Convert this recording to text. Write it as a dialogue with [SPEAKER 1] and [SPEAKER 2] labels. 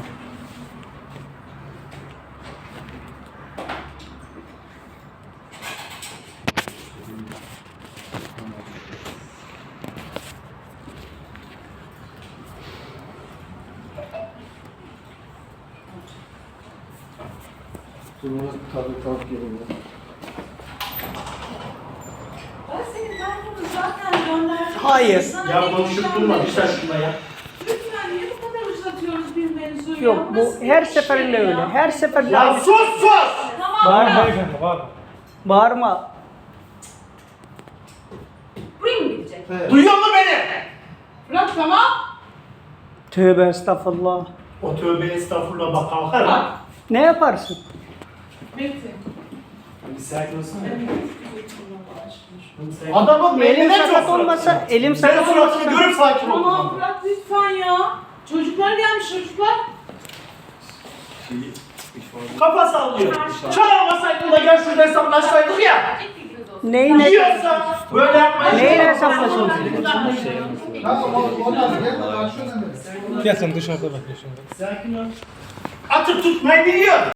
[SPEAKER 1] Tabii geliyor.
[SPEAKER 2] Ben senin kartını zaten gönderdim.
[SPEAKER 3] Hayır.
[SPEAKER 2] Sana
[SPEAKER 4] Ya
[SPEAKER 2] bir
[SPEAKER 4] konuşup
[SPEAKER 2] işlem
[SPEAKER 4] durma, bir
[SPEAKER 2] yapacağım.
[SPEAKER 4] şaşkınma ya.
[SPEAKER 2] Lütfen niye bu kadar uzatıyoruz birbirimizi ya?
[SPEAKER 3] Yok bu
[SPEAKER 2] Nasıl
[SPEAKER 3] her
[SPEAKER 2] bir
[SPEAKER 3] seferinde
[SPEAKER 2] şey
[SPEAKER 3] öyle.
[SPEAKER 2] ya?
[SPEAKER 3] Her seferinde
[SPEAKER 4] Ya
[SPEAKER 3] aynı.
[SPEAKER 4] sus sus!
[SPEAKER 2] Tamam
[SPEAKER 5] Bağırma
[SPEAKER 2] bırak.
[SPEAKER 5] beyefendi, bağırma.
[SPEAKER 3] Bağırma.
[SPEAKER 2] Buraya mı gidecek?
[SPEAKER 4] Duyuyor musun beni?
[SPEAKER 2] Bırak tamam.
[SPEAKER 3] Tövbe estağfurullah.
[SPEAKER 4] O tövbe estağfurullah bak kalkar ha.
[SPEAKER 3] Ne yaparsın?
[SPEAKER 2] Bekle.
[SPEAKER 4] Bir sakin olsana.
[SPEAKER 2] Ben
[SPEAKER 4] Adamın
[SPEAKER 3] Elim
[SPEAKER 4] beynine çok
[SPEAKER 3] sakat
[SPEAKER 4] surat.
[SPEAKER 3] olmasa, elim
[SPEAKER 4] Sen
[SPEAKER 3] sakat
[SPEAKER 4] suratını
[SPEAKER 3] olmasa.
[SPEAKER 4] görüp sakin ol.
[SPEAKER 2] Tamam bırak lütfen ya. Çocuklar gelmiş çocuklar.
[SPEAKER 4] Kafa sallıyor. Çağırmasaydın da gel şurada hesaplaşsaydık ya.
[SPEAKER 3] Neyin
[SPEAKER 4] Yiyorsan böyle yapmayın.
[SPEAKER 3] Neyin hesaplaşıyorsun?
[SPEAKER 1] Tamam o da gel karşına.
[SPEAKER 5] Gel sen dışarıda bekle şimdi.
[SPEAKER 4] Sakin ol. Atıp tutmayı biliyor.